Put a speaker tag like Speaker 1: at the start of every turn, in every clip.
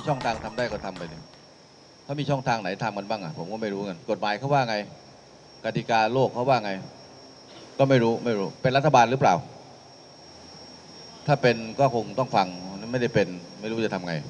Speaker 1: ช่องทางทำได้ก็ทำไปเนี่ยถ้ามีช่องทางไหนทำกันบ้างอ่ะผมก็ไม่รู้กันกฎหมายเขาว่าไงกติกาโลกเขาว่าไงก็ไม่รู้เป็นรัฐบาลหรือเปล่าถ้าเป็นก็คงต้องฟังไม่ได้เป็นไม่รู้จะทำไง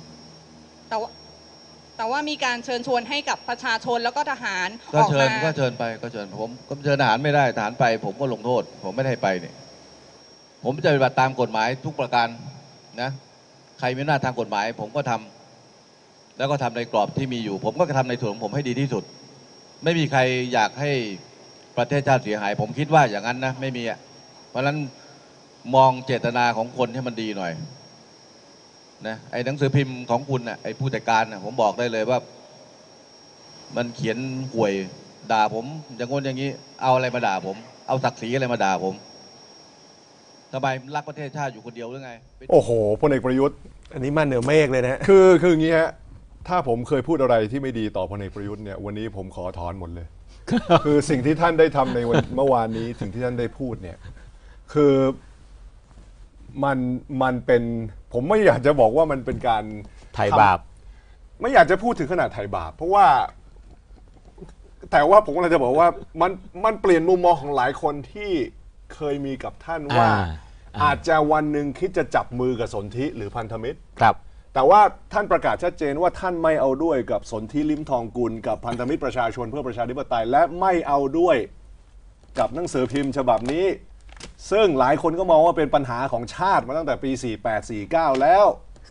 Speaker 2: แต่ว่ามีการเชิญชวนให้กับประชาชนแล้วก็ทหาร
Speaker 1: ก็เชิญไปก็เชิญผมก็เชิญทหารไม่ได้ทหารไปผมก็ลงโทษผมไม่ได้ไปเนี่ยผมจะปฏิบัติตามกฎหมายทุกประการนะใครมีอำนาจทางกฎหมายผมก็ทำแล้วก็ทำในกรอบที่มีอยู่ผมก็ทำในส่วนของผมให้ดีที่สุดไม่มีใครอยากให้ประเทศชาติเสียหายผมคิดว่าอย่างนั้นนะไม่มีอ่ะเพราะฉะนั้นมองเจตนาของคนให้มันดีหน่อยนะไอ้หนังสือพิมพ์ของคุณน่ะไอ้ผู้จัดการน่ะผมบอกได้เลยว่ามันเขียนห่วยด่าผมอย่างงนอย่างนี้เอาอะไรมาด่าผมเอาศักดิ์ศรีอะไรมาด่าผมทำไมรักประเทศชาติอยู่คนเดียวหรือไง
Speaker 3: โอ้โหพลเอกประยุทธ์
Speaker 4: อันนี้มาเหนือเมฆเลยนะ
Speaker 3: คืออย่างนี้ฮะถ้าผมเคยพูดอะไรที่ไม่ดีต่อพลเอกประยุทธ์เนี่ยวันนี้ผมขอถอนหมดเลย คือสิ่งที่ท่านได้ทำในวันเมื่อวานนี้สิ่งที่ท่านได้พูดเนี่ยคือมันเป็นผมไม่อยากจะบอกว่ามันเป็นการ
Speaker 4: ไถ่บาป
Speaker 3: ไม่อยากจะพูดถึงขนาดไถ่บาปเพราะว่าแต่ว่าผมกำลังจะบอกว่ามันเปลี่ยนมุมมองของหลายคนที่เคยมีกับท่านว่าอาจจะวันหนึ่งคิดจะจับมือกับสนธิหรือพันธมิตร
Speaker 4: ครับ
Speaker 3: แต่ว่าท่านประกาศชัดเจนว่าท่านไม่เอาด้วยกับสนธิลิ้มทองกุลกับพันธมิตรประชาชนเพื่อประชาธิปไตยและไม่เอาด้วยกับหนังสือพิมพ์ฉบับนี้ซึ่งหลายคนก็มองว่าเป็นปัญหาของชาติมาตั้งแต่ปี48 49แล้ว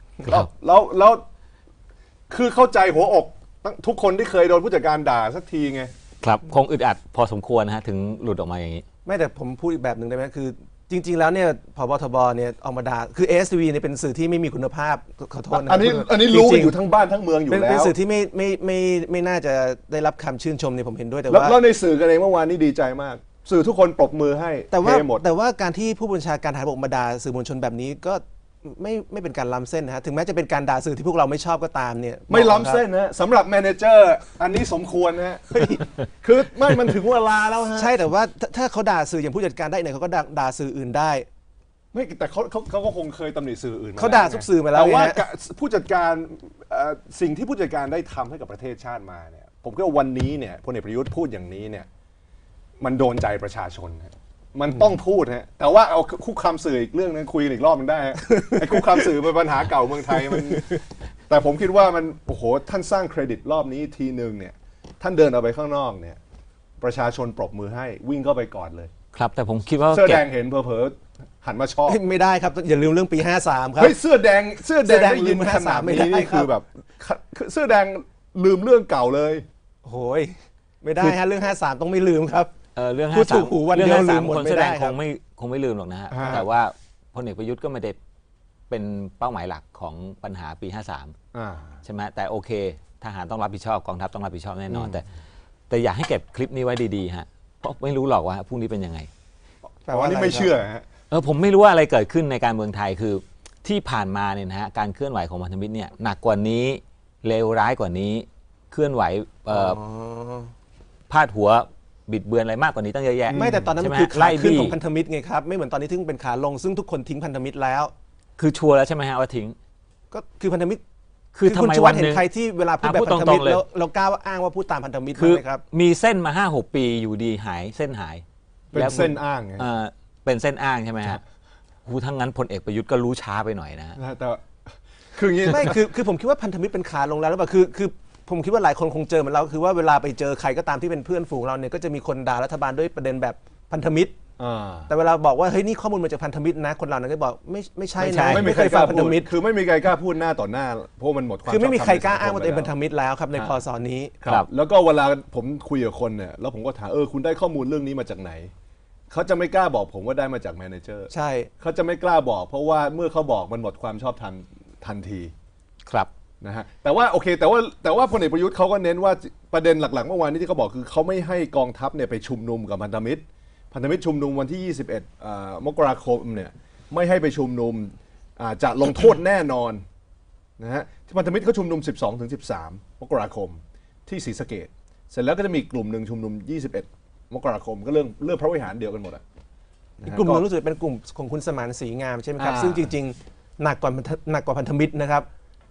Speaker 3: คือเข้าใจหัวอกทุกคนที่เคยโดนผู้จัดการด่าสักทีไง
Speaker 4: ครับคงอึดอัดพอสมควรนะฮะถึงหลุดออกมาอย่างนี้
Speaker 5: ไม่แต่ผมพูดอีกแบบหนึ่งได้ไหมคือจริงๆแล้วเนี่ยผบทบเนี่ยออกมาด่าคือ ASTV เนี่ยเป็นสื่อที่ไม่มีคุณภาพขอโทษนะ
Speaker 3: อันนี้รู้อยู่ทั้งบ้านทั้งเมืองอยู่แล้ว
Speaker 5: เป็นสื่อที่ไม่น่าจะได้รับคำชื่นชมเนี่ยผมเห็นด้วยแต่
Speaker 3: ว่าแล้วในสื่อกันเองเมื่อวานนี้ดีใจมากสื่อทุกคนปรบมือให้
Speaker 5: แต่ว่าการที่ผู้บัญชาการทหารบกมาด่าสื่อมวลชนแบบนี้ก็ไม่เป็นการล้ำเส้นนะฮะถึงแม้จะเป็นการด่าสื่อที่พวกเราไม่ชอบก็ตามเนี่ย
Speaker 3: ไม่ล้ำเส้นนะสำหรับแมเนเจอร์อันนี้สมควรนะคือไม่มันถึงเวลาแล้วฮะ
Speaker 5: ใช่แต่ว่าถ้าเขาด่าสื่ออย่างผู้จัดการได้เนี่ยเขาก็ด่าสื่ออื่นได้
Speaker 3: ไม่แต่เขาก็คงเคยตำหนิสื่ออื่น
Speaker 5: เขาด่าทุกสื่อมาแล้ว
Speaker 3: แต่ว่าผู้จัดการสิ่งที่ผู้จัดการได้ทำให้กับประเทศชาติมาเนี่ยผมคิดว่าวันนี้เนี่ยพลเอกประยุทธ์พูดอย่างนี้เนี่ยมันโดนใจประชาชนมันต้องพูดฮะแต่ว่าเอาคุกคามสื่ออีกเรื่องนึงคุยอีกรอบมันได้ไอ้คุกคามสื่อเป็นปัญหาเก่าเมืองไทยมันแต่ผมคิดว่ามันโอ้โหท่านสร้างเครดิตรอบนี้ทีนึงเนี่ยท่านเดินออกไปข้างนอกเนี่ยประชาชนปรบมือให้วิ่งเข้าไปกอดเลย
Speaker 4: ครับแต่ผมคิดว่า
Speaker 3: เสื้อแดงเห็นเผลอหันมาชอบ
Speaker 5: ไม่ได้ครับอย่าลืมเรื่องปี53ครับ
Speaker 3: เฮ้ยเสื้อแดงได้ยินขนาดนี้นี่คือแบบเสื้อแดงลืมเรื่องเก่าเลย
Speaker 5: โอ้ยไม่ได้ฮะเรื่อง53ต้องไม่ลืมครับ
Speaker 4: เรื่อง
Speaker 5: 53วันเดียวลืมหมดไม่ได้
Speaker 4: คงไม่ลืมหรอกนะฮะแต่ว่าพลเอกประยุทธ์ก็ไม่ได้เป็นเป้าหมายหลักของปัญหาปี53ใช่ไหมแต่โอเคทหารต้องรับผิดชอบกองทัพต้องรับผิดชอบแน่นอนแต่อยากให้เก็บคลิปนี้ไว้ดีๆฮะเพราะไม่รู้หรอกว่าพรุ่งนี้เป็นยังไง
Speaker 3: แต่ว่านี่ไม่เชื่อฮะ
Speaker 4: ผมไม่รู้ว่าอะไรเกิดขึ้นในการเมืองไทยคือที่ผ่านมาเนี่ยนะฮะการเคลื่อนไหวของพันธมิตรเนี่ยหนักกว่านี้เลวร้ายกว่านี้เคลื่อนไหวพาดหัวบิดเบือนอะไรมากกว่านี้ตั้งเยอะแยะ
Speaker 5: ไม่แต่ตอนนั้นมันคือขาขึ้นของพันธมิตรไงครับไม่เหมือนตอนนี้ที่เป็นขาลงซึ่งทุกคนทิ้งพันธมิตรแล้ว
Speaker 4: คือชัวร์แล้วใช่ไหมฮะว่าทิ้ง
Speaker 5: ก็คือพันธมิตร
Speaker 4: คือทำไมวัน
Speaker 5: นึงใครที่เวลาพูดแบบพันธมิตรแล้วเรากล้าอ้างว่าพูดตามพันธมิตร
Speaker 4: คือมีเส้นมา 5-6 ปีอยู่ดีหายเส้นหาย
Speaker 3: เป็นเส้นอ้าง
Speaker 4: เป็นเส้นอ้างใช่ไหมฮะทั้งนั้นพลเอกประยุทธ์ก็รู้ช้าไปหน่อยนะ
Speaker 3: แต่คืออย่างนี้
Speaker 5: ไม่คือผมคิดว่าพันธมิตรเป็นขาลงแล้วหรือเปล่าคือผมคิดว่าหลายคนคงเจอเหมือนเราคือว่าเวลาไปเจอใครก็ตามที่เป็นเพื่อนฝูงเราเนี่ยก็จะมีคนด่ารัฐบาลด้วยประเด็นแบบพันธมิตรแต่เวลาบอกว่าเฮ้ยนี่ข้อมูลมาจากพันธมิตรนะคนเรานั้นก็บอกไม่ใช่นะ
Speaker 3: ไม่เคยฟังพันธมิตรคือไม่มีใครกล้าพูดหน้าต่อหน้าเพราะมันหมดความ
Speaker 5: คือไม่มีใครกล้าอ้างว่าตัวเองเป็นพันธมิตรแล้วครับในพศนี้
Speaker 3: ครับแล้วก็เวลาผมคุยกับคนเนี่ยแล้วผมก็ถามคุณได้ข้อมูลเรื่องนี้มาจากไหนเขาจะไม่กล้าบอกผมว่าได้มาจากแมเนเจอร์
Speaker 5: ใช่
Speaker 3: เขาจะไม่กล้าบอกเพราะว่าเมื่อเขาบอกมันหมดความชอบธรรมทันที
Speaker 4: ครับ
Speaker 3: นะฮะแต่ว่าโอเคแต่ว่าพลเอกประยุทธ์เขาก็เน้นว่าประเด็นหลักๆเมื่อวานนี้ที่เขาบอกคือเขาไม่ให้กองทัพเนี่ยไปชุมนุมกับพันธมิตรชุมนุมวันที่21มกราคมเนี่ยไม่ให้ไปชุมนุมจะลงโทษแน่นอนนะฮะที่พันธมิตรเขาชุมนุม 12-13 มกราคมที่ศรีสะเกษเสร็จแล้วก็จะมีกลุ่มหนึ่งชุมนุม 21 มกราคมก็เรื่องพระวิหารเดียวกันหมด
Speaker 5: อีกกลุ่มนึงรู้สึกเป็นกลุ่มของคุณสมานศรีงามใช่ไหมครับซึ่งจริงๆหนักกว่าพันธมิตรนะครับ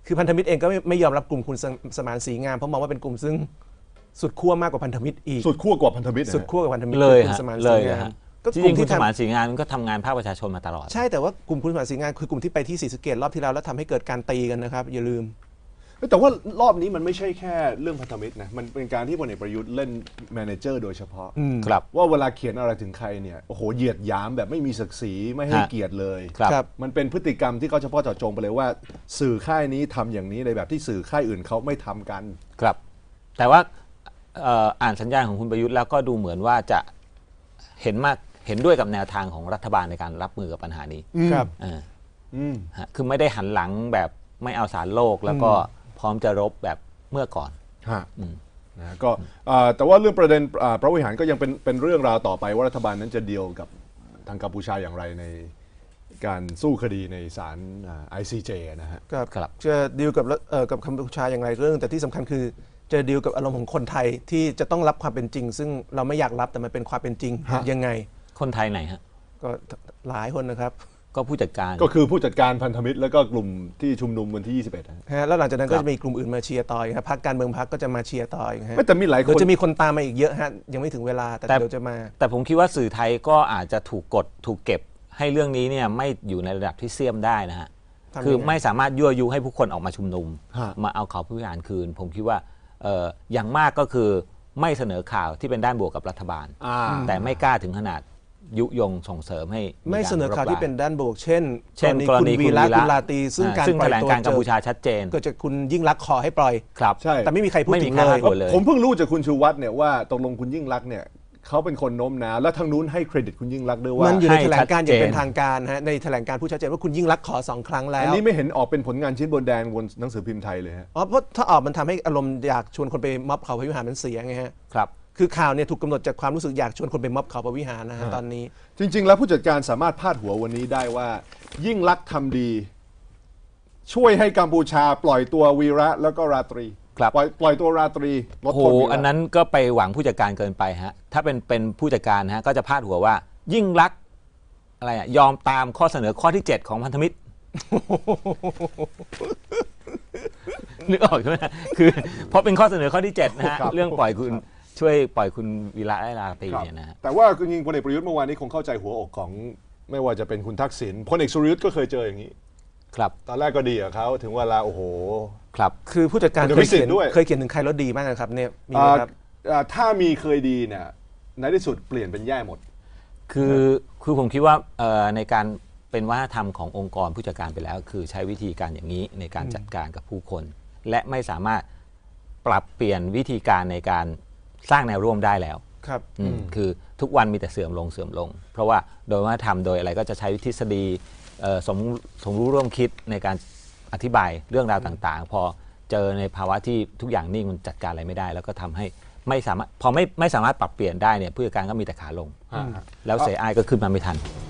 Speaker 5: คือพันธมิตรเองก็ไม่ยอมรับกลุ่มคุณสมานศรีงามเพราะมองว่าเป็นกลุ่มซึ่งสุดขั้วมากกว่าพันธมิตรอีก
Speaker 3: สุดขั้วกว่าพันธมิตร
Speaker 5: สุดขั้วกับพันธมิตร
Speaker 4: เลย
Speaker 5: คุณ
Speaker 4: ฮะ
Speaker 5: สมานศ
Speaker 4: เล
Speaker 5: รี
Speaker 4: ย
Speaker 5: งาม
Speaker 4: ฮะ
Speaker 5: ก็
Speaker 4: จ
Speaker 5: กลุ่
Speaker 4: ริ
Speaker 5: ม
Speaker 4: งๆคุณ
Speaker 5: ที่
Speaker 4: ส
Speaker 5: ทำ
Speaker 4: มานศรีงานก็ทำงานภาคประชาชนมาตลอด
Speaker 5: ใช่แต่ว่ากลุ่มคุณสมานศรีงามคือกลุ่มที่ไปที่ศรีสะเกษรอบที่แล้วแล้วทำให้เกิดการตีกันนะครับอย่าลืม
Speaker 3: แต่ว่ารอบนี้มันไม่ใช่แค่เรื่องพันธมิตรนะมันเป็นการที่พลเอกประยุทธ์เล่นแมเนเจอร์โดยเฉพาะ
Speaker 4: ครับ
Speaker 3: ว่าเวลาเขียนอะไรถึงใครเนี่ยโอ้โหเหยียดหยามแบบไม่มีศักดิ์ศรีไม่ให้
Speaker 4: ฮะ
Speaker 3: เกียรติเลย
Speaker 4: ครับ
Speaker 5: ครับ
Speaker 3: มันเป็นพฤติกรรมที่เขาเฉพาะเจาะจงไปเลยว่า สื่อค่ายนี้ทำอย่างนี้ในแบบที่สื่อค่ายอื่นเขาไม่ทำกัน
Speaker 4: ครับ แต่ว่าอ่านสัญญาณของคุณประยุทธ์แล้วก็ดูเหมือนว่าจะเห็นด้วยกับแนวทางของรัฐบาลในการรับมือกับปัญหานี้
Speaker 5: ครับ
Speaker 4: อ่า
Speaker 3: อืม
Speaker 4: ฮะคือไม่ได้หันหลังแบบไม่เอาสารโลก แล้วก็พร้อมจะรบแบบเมื่อก่อน
Speaker 3: ฮะนะก็แต่ว่าเรื่องประเด็นพระวิหารก็ยังเป็นเรื่องราวต่อไปว่ารัฐบาลนั้นจะเดีลกับทางกัมพูชาอย่างไรในการสู้คดีในศาลICJ นะฮะ
Speaker 5: ครับ
Speaker 4: ครับ
Speaker 5: จะดีลกับกัมพูชาอย่างไรเรื่อง แต่ที่สำคัญคือจะดีลกับอารมณ์ของคนไทยที่จะต้องรับความเป็นจริง ซึ่งเราไม่อยากรับแต่มันเป็นความเป็นจริง
Speaker 3: ฮะ
Speaker 5: ยังไง
Speaker 4: คนไทยไหนฮะ
Speaker 5: ก็หลายคนนะครับ
Speaker 4: ก็ผู้จัดการ
Speaker 3: ก็คือผู้จัดการพันธมิตรแล้วก็กลุ่มที่ชุมนุมวันที่ 21นะฮะ
Speaker 5: ฮะแล้วหลังจากนั้น
Speaker 4: ครั
Speaker 5: ก็
Speaker 4: บ
Speaker 5: จะมีกลุ่มอื่นมาเชียร์ต่ออีกครับพรรคการเมืองพรรคก็จะมาเชียร์ต่ออีกฮะ
Speaker 3: ไม่แต่มีหลายค
Speaker 5: เดี๋ยวน จะมีคนตามมาอีกเยอะฮะยังไม่ถึงเวลาแต่เดี๋ยวจะมา
Speaker 4: แต่ผมคิดว่าสื่อไทยก็อาจจะถูกกดถูกเก็บให้เรื่องนี้เนี่ยไม่อยู่ในระดับที่เสี่ยมได้นะฮะ
Speaker 5: ทำยังไง
Speaker 4: คือไม่สามารถยั่วยุให้ผู้คนออกมาชุมนุม
Speaker 3: ฮะ
Speaker 4: มาเอาเขาผู้บริหารคืน ผมคิดว่าอย่างมากก็คือไม่เสนอข่าวที่เป็นด้านบวกกับรัฐบาล แต่ไม่กล้าถึงขนาดยุยงส่งเสริมให้
Speaker 5: ไม่เสนอข่าวที่เป็น
Speaker 4: รบ
Speaker 5: ด้านบวกเช่น
Speaker 4: เช่น
Speaker 5: กรณีคุณวีระคุณลาตรีซึ่งการ
Speaker 4: ซึ่ง
Speaker 5: ปล่
Speaker 4: แถ
Speaker 5: อย
Speaker 4: ลง
Speaker 5: ตัว
Speaker 4: การกัมพูชาชัดเจน
Speaker 5: เกิดจากคุณยิ่งรักษณ์ขอให้ปล่อย
Speaker 4: ครับ
Speaker 3: ใช่
Speaker 5: แต่ไม่มีใครพูด
Speaker 4: ไม่
Speaker 5: ถึ
Speaker 4: มี
Speaker 5: ง
Speaker 4: ใคร
Speaker 5: เลย
Speaker 4: พูดเลย
Speaker 3: ผมเพิ่งรู้จากคุณชูวัฒน์เนี่ยว่าตกลงคุณยิ่งรักษณ์เนี่ยเขาเป็นคนโน้มน้าวและทางนู้นให้เครดิตคุณยิ่งรักษณ์ด้วยว่า
Speaker 5: มันอยู่ใน
Speaker 4: ให้
Speaker 5: แถลงการณ์อย่างเป็น
Speaker 4: ชัดเจน
Speaker 5: ทางการฮะในแถลงการณ์ผู้ชัดเจนว่าคุณยิ่งรักษณ์ขอ2 ครั้งแล้
Speaker 3: อัน
Speaker 5: ว
Speaker 3: นี้ไม่เห็นออกเป็นผลงานชิ้นบนแดงบนหนังสือพิมพ์ไทยเลยฮะ
Speaker 5: อ๋อเพราะถ้าออกมันทำให้อารมณ์อยากชวนคนไปม็อบเขาพระวิหารมันเสียไงฮะ
Speaker 4: ครับ
Speaker 5: คือข่าวเนี่ยถูกกำหนดจากความรู้สึกอยากชวนคนไปม็อบเขาพระวิหารนะฮะตอนนี้
Speaker 3: จริง ๆ แล้วผู้จัดการสามารถพาดหัววันนี้ได้ว่า ยิ่งรักษณ์ทำดี ช่วยให้กัมพูชาปล่อยตัววีระแล้วก็ราตรี
Speaker 4: ครับ
Speaker 3: ปล่อยตัวราตรีลด
Speaker 4: โอ้โห
Speaker 3: โทษวีระ
Speaker 4: อันนั้นก็ไปหวังผู้จัดการเกินไปฮะ ถ้าเป็นผู้จัดการฮะก็จะพาดหัวว่า ยิ่งรักษณ์อะไรอะยอมตามข้อเสนอข้อที่ 7 ของพันธมิตร นึกออกใช่ไหมคือเพราะเป็นข้อเสนอข้อที่ 7 นะฮะ เรื่องปล่อยคุณช่วยปล่อยคุณวีระและราตรี
Speaker 3: ครับ
Speaker 4: เนี่ยนะฮะ
Speaker 3: แต่ว่าจริงๆพลเอกประยุทธ์เมื่อวานนี้คงเข้าใจหัวอกของไม่ว่าจะเป็นคุณทักษิณพลเอกสุรยุทธ์ก็เคยเจออย่างนี้
Speaker 4: ครับ
Speaker 3: ตอนแรกก็ดีกับเขาถึงเวลาโอ้โห
Speaker 4: ครับ
Speaker 5: คือผู้จัดการ
Speaker 3: คุณ
Speaker 5: เค
Speaker 3: พิ
Speaker 5: ย
Speaker 3: สิท
Speaker 5: เขีย
Speaker 3: ธิ์
Speaker 5: น
Speaker 3: ด้วย
Speaker 5: เคยเขียนถึงใครแล้วดีมากนะครับเนี่ยมีไหมครับ
Speaker 3: ถ้ามีเคยดีเนี่ยในที่สุดเปลี่ยนเป็นแย่หมด
Speaker 4: คือผมคิดว่าในการเป็นวัฒนธรรมขององค์กรผู้จัดการไปแล้ว คือใช้วิธีการอย่างนี้ในการจัดการกับผู้คน และไม่สามารถปรับเปลี่ยนวิธีการในการสร้างแนวร่วมได้แล้ว
Speaker 5: ครับ
Speaker 4: คือทุกวันมีแต่เสื่อมลง เพราะว่าโดยวัฒนธรรมโดยอะไรก็จะใช้ทฤษฎีสมรู้ร่วมคิดในการอธิบายเรื่องราวต่างๆ พอเจอในภาวะที่ทุกอย่างนิ่งมันจัดการอะไรไม่ได้ แล้วก็ทำให้ไม่สามารถพอไม่สามารถปรับเปลี่ยนได้เนี่ยผู้จัดการก็มีแต่ขาลง แล้วเสียอายก็ขึ้นมาไม่ทัน